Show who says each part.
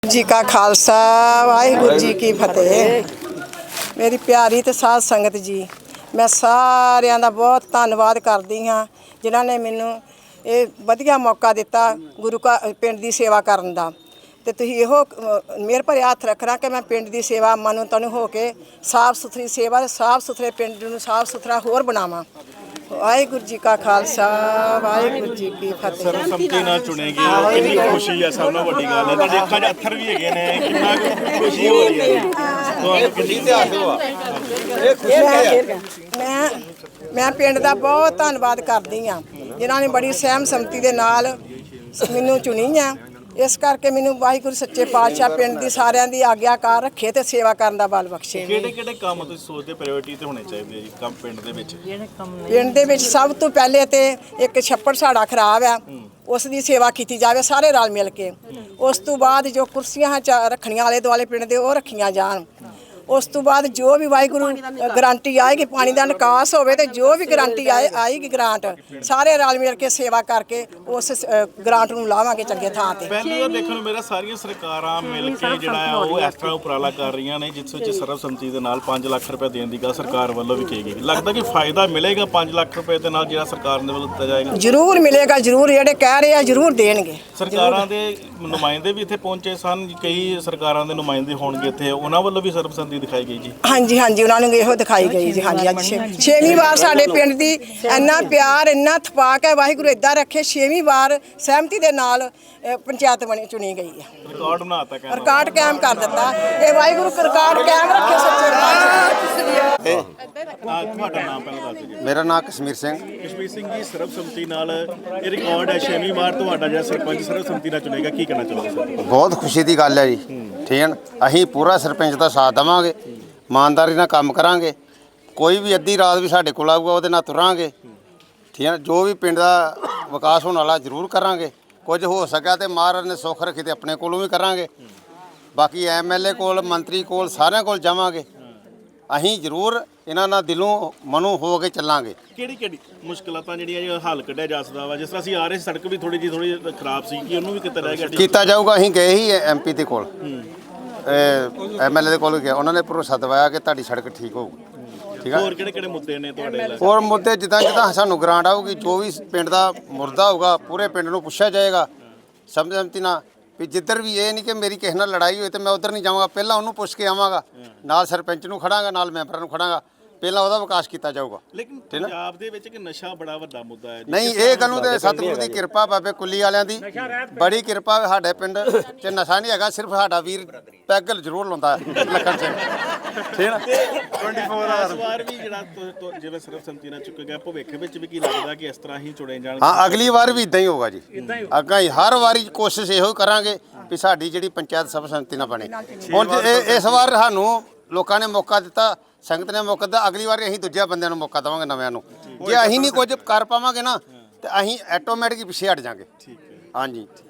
Speaker 1: जी का खालसा वाहिगुरू जी की फतेह। मेरी प्यारी ते साध संगत जी, मैं सारिਆਂ ਦਾ बहुत ਧੰਨਵਾਦ ਕਰਦੀ ਹਾਂ ਜਿਨ੍ਹਾਂ ਨੇ ਮੈਨੂੰ ਇਹ ਵਧੀਆ ਮੌਕਾ ਦਿੱਤਾ ਗੁਰੂ ਕਾ ਪਿੰਡ ਦੀ ਸੇਵਾ ਕਰਨ ਦਾ। ਤੇ ਤੁਸੀਂ ਇਹੋ ਮੇਰ ਭਰੇ ਹੱਥ ਰੱਖਣਾ ਕਿ ਮੈਂ ਪਿੰਡ ਦੀ ਸੇਵਾ ਮਨੋਂ ਤਨ ਹੋ ਕੇ ਸਾਫ ਸੁਥਰੀ ਸੇਵਾ, ਸਾਫ ਸੁਥਰੇ ਪਿੰਡ ਨੂੰ ਸਾਫ ਸੁਥਰਾ ਹੋਰ ਬਣਾਵਾਂ। ਵਾਹਿਗੁਰੂ ਜੀ ਕਾ ਖਾਲਸਾ ਵਾਹਿਗੁਰੂ ਜੀ ਕੀ ਫਤਿਹ।
Speaker 2: ਸਰਬਸੰਮਤੀ ਨਾਲ ਚੁਣੇ ਗਏ ਹੋ, ਕਿੰਨੀ ਖੁਸ਼ੀ ਹੈ, ਸਭ ਨਾਲੋਂ ਵੱਡੀ ਗੱਲ ਹੈ। ਤੁਹਾਡੇ ਅੱਖਾਂ 'ਚ ਅੱਥਰ ਵੀ ਹੈਗੇ ਨੇ, ਕਿੰਨਾ ਖੁਸ਼ੀ ਹੋ ਰਹੀ ਹੈ ਤੁਹਾਨੂੰ, ਕਿੰਨੀ ਇਤਿਹਾਸ ਹੋਆ।
Speaker 1: ਮੈਂ ਪਿੰਡ ਦਾ ਬਹੁਤ ਧੰਨਵਾਦ ਕਰਦੀ ਹਾਂ ਜਿਨ੍ਹਾਂ ਨੇ ਬੜੀ ਸਹਿਮ ਸੰਮਤੀ ਦੇ ਨਾਲ ਮੈਨੂੰ ਚੁਣੀ ਆ। ਇਸ ਕਰਕੇ ਮੈਨੂੰ ਵਾਹਿਗੁਰੂ ਸੱਚੇ ਪਾਤਸ਼ਾਹ ਪਿੰਡ ਦੀ ਸਾਰਿਆਂ ਦੀ ਆਗਿਆਕਾਰ ਰੱਖੇ ਤੇ ਸੇਵਾ ਕਰਨ ਦਾ ਬਲ ਬਖਸ਼ੇ।
Speaker 2: ਕਿਹੜੇ ਕੰਮ ਤੁਸੀਂ ਸੋਚਦੇ ਪ੍ਰਾਇੋਰਟੀ ਤੇ ਹੋਣੇ ਚਾਹੀਦੇ ਆ ਜੀ ਕੰਮ ਪਿੰਡ ਦੇ ਵਿੱਚ?
Speaker 1: ਪਿੰਡ ਦੇ ਵਿੱਚ ਸਭ ਤੋਂ ਪਹਿਲੇ ਤੇ ਇੱਕ ਛੱਪੜ ਸਾਡਾ ਖਰਾਬ ਆ, ਉਸ ਦੀ ਸੇਵਾ ਕੀਤੀ ਜਾਵੇ ਸਾਰੇ ਰਲ ਮਿਲ ਕੇ। ਉਸ ਤੋਂ ਬਾਅਦ ਜੋ ਕੁਰਸੀਆਂ ਰੱਖਣੀਆਂ ਆਲੇ ਦੁਆਲੇ ਪਿੰਡ ਦੇ ਉਹ ਰੱਖੀਆਂ ਜਾਣ। ਉਸ ਤੋਂ ਬਾਅਦ ਜੋ ਵੀ ਵਾਹਿਗੁਰੂ ਗਰੰਟੀ ਆਏਗੀ ਪਾਣੀ ਦਾ ਨਿਕਾਸ ਹੋਵੇ ਤੇ ਜੋ ਵੀ ਗਰੰਟੀ ਆਏਗੀ ਗ੍ਰਾਂਟ ਸਾਰੇ ਰਲ ਮਿਲ ਕੇ ਸੇਵਾ ਕਰਕੇ ਉਸ ਗ੍ਰਾਂਟ ਨੂੰ ਲਾਵਾਂਗੇ ਚੰਗੇ ਥਾਂ ਤੇ।
Speaker 2: ਪਹਿਲੀ ਵਾਰ ਦੇਖਣ ਨੂੰ ਮੇਰਾ ਸਾਰੀਆਂ ਸਰਕਾਰਾਂ ਮਿਲ ਕੇ ਜਿਹੜਾ ਉਹ ਇਸ ਤਰ੍ਹਾਂ ਉਪਰਾਲਾ ਕਰ ਰਹੀਆਂ ਨੇ ਜਿਸ ਵਿੱਚ ਸਰਬਸੰਮਤੀ ਦੇ ਨਾਲ 5 ਲੱਖ ਰੁਪਏ ਦੇਣ ਦੀ ਗੱਲ ਸਰਕਾਰ ਵੱਲੋਂ ਵੀ ਕਹੀ ਗਈ। ਲੱਗਦਾ ਕਿ ਫਾਇਦਾ ਮਿਲੇਗਾ 5 ਲੱਖ ਰੁਪਏ ਦੇ ਨਾਲ ਜਿਹੜਾ ਸਰਕਾਰ ਦੇ ਵੱਲੋਂ ਦਿੱਤਾ ਜਾਏਗਾ?
Speaker 1: ਜ਼ਰੂਰ ਮਿਲੇਗਾ, ਜ਼ਰੂਰ ਜਿਹੜੇ ਕਹਿ ਰਹੇ ਆ ਜ਼ਰੂਰ ਦੇਣਗੇ।
Speaker 2: ਸਰਕਾਰਾਂ ਦੇ ਨੁਮਾਇੰਦੇ ਵੀ ਇੱਥੇ ਪਹੁੰਚੇ ਸਨ, ਕਈ ਸਰਕਾਰਾਂ ਦੇ ਨੁਮਾਇੰਦੇ ਹੋਣਗੇ ਇੱਥੇ, ਉਹਨਾਂ ਵੱਲੋਂ ਵੀ ਸਰਬਸੰਮਤੀ ਦਿਖਾਈ ਗਈ ਜੀ?
Speaker 1: ਹਾਂਜੀ ਹਾਂਜੀ, ਉਹਨਾਂ ਨੂੰ ਇਹੋ ਦਿਖਾਈ ਗਈ ਜੀ। ਹਾਂਜੀ, ਅੱਜ ਛੇਵੀਂ ਵਾਰ ਸਾਡੇ ਪਿੰਡ ਦੀ ਇੰਨਾ ਪਿਆਰ ਇੰਨਾ ਥਪਾਕ ਹੈ, ਵਾਹਿਗੁਰੂ ਇੱਦਾਂ ਰੱਖੇ। 6ਵੀਂ ਵਾਰ ਸਹਿਮਤੀ ਦੇ ਨਾਲ ਪੰਚਾਇਤ ਚੁਣੀ ਗਈ ਹੈ।
Speaker 2: ਰਿਕਾਰਡ ਬਣਾਤਾ,
Speaker 1: ਰਿਕਾਰਡ ਕਾਇਮ ਕਰ ਦਿੱਤਾ। ਇਹ ਵਾਹਿਗੁਰੂ ਰਿਕਾਰਡ ਕਾਇਮ ਰੱਖੇ ਸੱਚੇ ਪਾਤਸ਼ਾਹ।
Speaker 2: ਤੁਹਾਡਾ ਨਾਮ ਪਹਿਲਾਂ ਦੱਸ ਦਿਓ।
Speaker 3: ਮੇਰਾ ਨਾਮ ਕਸ਼ਮੀਰ ਸਿੰਘ।
Speaker 2: ਕਸ਼ਮੀਰ ਸਿੰਘ ਜੀ, ਸਰਬਸੰਮਤੀ ਨਾਲ ਇਹ ਰਿਕਾਰਡ ਹੈ, 6ਵੀਂ ਵਾਰ ਤੁਹਾਡਾ ਜਿਹੜਾ ਸਰਪੰਚ ਸਰਬਸੰਮਤੀ ਨਾਲ ਚੁਣੇਗਾ, ਕੀ ਕਹਿਣਾ ਚਾਹੋਗੇ ਸਰ?
Speaker 3: ਬਹੁਤ ਖੁਸ਼ੀ ਦੀ ਗੱਲ ਹੈ ਜੀ। ਠੀਕ ਹੈ, ਅਸੀਂ ਪੂਰਾ ਸਰਪੰਚ ਦਾ ਸਾਥ ਦੇਵਾਂਗੇ, ਇਮਾਨਦਾਰੀ ਨਾਲ ਕੰਮ ਕਰਾਂਗੇ। ਕੋਈ ਵੀ ਅੱਧੀ ਰਾਤ ਵੀ ਸਾਡੇ ਕੋਲ ਆਊਗਾ ਉਹਦੇ ਨਾਲ ਤੁਰਾਂਗੇ। ਠੀਕ ਹੈ, ਜੋ ਵੀ ਪਿੰਡ ਦਾ ਵਿਕਾਸ ਹੋਣ ਵਾਲਾ ਜ਼ਰੂਰ ਕਰਾਂਗੇ। ਕੁਝ ਹੋ ਸਕਿਆ ਤੇ ਮਹਾਰਾਜ ਨੇ ਸੁੱਖ ਰੱਖੀ ਤੇ ਆਪਣੇ ਕੋਲੋਂ ਵੀ ਕਰਾਂਗੇ। ਬਾਕੀ ਐਮਐਲਏ ਕੋਲ, ਮੰਤਰੀ ਕੋਲ, ਸਾਰਿਆਂ ਕੋਲ ਜਾਵਾਂਗੇ। ਅਸੀਂ ਜ਼ਰੂਰ ਇਹਨਾਂ ਨਾਲ ਦਿਲੋਂ ਮਨੋਂ ਹੋ ਕੇ ਚੱਲਾਂਗੇ।
Speaker 2: ਕਿਹੜੀ ਮੁਸ਼ਕਲਾਂ ਜਿਹੜੀਆਂ ਹੱਲ ਕੱਢਿਆ ਜਾ ਸਕਦਾ ਵਾ? ਜਿਸ ਤਰ੍ਹਾਂ ਅਸੀਂ ਆ ਰਹੇ ਸੜਕ ਵੀ ਥੋੜੀ ਜਿਹੀ ਖਰਾਬ ਸੀ, ਕਿ ਉਹਨੂੰ ਵੀ ਕੀਤਾ ਜਾਏਗਾ?
Speaker 3: ਕੀਤਾ ਜਾਊਗਾ। ਅਸੀਂ ਗਏ ਹੀ ਐਮਪੀ ਦੇ ਕੋਲ, ਐਮਐਲਏ ਦੇ ਕੋਲ ਗਿਆ, ਉਹਨਾਂ ਨੇ ਭਰੋਸਾ ਦਿਵਾਇਆ ਕਿ ਤੁਹਾਡੀ ਸੜਕ ਠੀਕ ਹੋਊਗੀ। ਠੀਕ ਹੈ।
Speaker 2: ਹੋਰ ਕਿਹੜੇ ਮੁੱਦੇ ਨੇ ਤੁਹਾਡੇ?
Speaker 3: ਹੋਰ ਮੁੱਦੇ ਜਿੱਦਾਂ ਸਾਨੂੰ ਗ੍ਰਾਂਟ ਆਊਗੀ, ਜੋ ਵੀ ਪਿੰਡ ਦਾ ਮੁਰਦਾ ਹੋਊਗਾ ਪੂਰੇ ਪਿੰਡ ਨੂੰ ਪੁੱਛਿਆ ਜਾਏਗਾ ਸਰਬਸੰਮਤੀ ਨਾਲ। ਵੀ ਜਿੱਧਰ ਵੀ ਇਹ ਨਹੀਂ ਕਿ ਮੇਰੀ ਕਿਸੇ ਨਾਲ ਲੜਾਈ ਹੋਈ ਤੇ ਮੈਂ ਉੱਧਰ ਨਹੀਂ ਜਾਵਾਂਗਾ, ਪਹਿਲਾਂ ਉਹਨੂੰ ਪੁੱਛ ਕੇ ਆਵਾਂਗਾ। ਨਾਲ ਸਰਪੰਚ ਨੂੰ ਖੜਾਂਗਾ, ਨਾਲ ਮੈਂਬਰਾਂ ਨੂੰ ਖੜਾਂਗਾ, ਪਹਿਲਾਂ ਉਹਦਾ ਵਿਕਾਸ ਕੀਤਾ ਜਾਊਗਾ।
Speaker 2: ਲੇਕਿਨ ਪੰਜਾਬ ਦੇ ਵਿੱਚ ਕਿ ਨਸ਼ਾ ਬੜਾ ਵੱਡਾ ਮੁੱਦਾ ਹੈ।
Speaker 3: ਨਹੀਂ, ਇਹ ਗੱਲ ਨੂੰ ਤੇ ਸਤਿਗੁਰੂ ਦੀ ਕਿਰਪਾ, ਬਾਬੇ ਕੁੱਲੀ ਵਾਲਿਆਂ ਦੀ ਬੜੀ ਕਿਰਪਾ। ਸਾਡੇ ਪਿੰਡ 'ਚ ਨਸ਼ਾ ਨਹੀਂ ਹੈਗਾ, ਸਿਰਫ ਸਾਡਾ ਵੀਰ ਪੈਗਲ ਜ਼ਰੂਰ ਲਾਉਂਦਾ ਲੱਖਣ ਸਿੰਘ। ਠੀਕ ਹੈ,
Speaker 2: 24 ਆਵਰ ਵਾਰ ਵੀ ਜਿਹੜਾ ਜਿਵੇਂ ਸਰਬਸੰਮਤੀ ਨਾਲ ਚੁੱਕ ਗਿਆ, ਭਵਿੱਖ ਵਿੱਚ ਵੀ ਕੀ ਲੱਗਦਾ ਕਿ ਇਸ ਤਰ੍ਹਾਂ ਹੀ ਚੁਣੇ ਜਾਣਗੇ?
Speaker 3: ਹਾਂ, ਅਗਲੀ ਵਾਰ ਵੀ ਇਦਾਂ ਹੀ ਹੋਊਗਾ ਜੀ। ਅੱਗਾ ਹੀ ਹਰ ਵਾਰੀ ਕੋਸ਼ਿਸ਼ ਇਹੋ ਕਰਾਂਗੇ ਵੀ ਸਾਡੀ ਜਿਹੜੀ ਪੰਚਾਇਤ ਸਰਬਸੰਮਤੀ ਨਾਲ ਬਣੇ। ਹੁਣ ਇਸ ਵਾਰ ਸਾਨੂੰ ਲੋਕਾਂ ਨੇ ਮੌਕਾ ਦਿੱਤਾ, ਸੰਗਤ ਨੇ ਮੌਕਾ ਦਿੱਤਾ, ਅਗਲੀ ਵਾਰ ਅਸੀਂ ਦੂਜੇ ਬੰਦਿਆਂ ਨੂੰ ਮੌਕਾ ਦੇਵਾਂਗੇ, ਨਵਿਆਂ ਨੂੰ। ਜੇ ਅਸੀਂ ਨਹੀਂ ਕੁਝ ਕਰ ਪਾਵਾਂਗੇ ਨਾ ਤੇ ਅਸੀਂ ਆਟੋਮੈਟਿਕ ਪਿੱਛੇ ਹਟ ਜਾਾਂਗੇ। ਹਾਂਜੀ।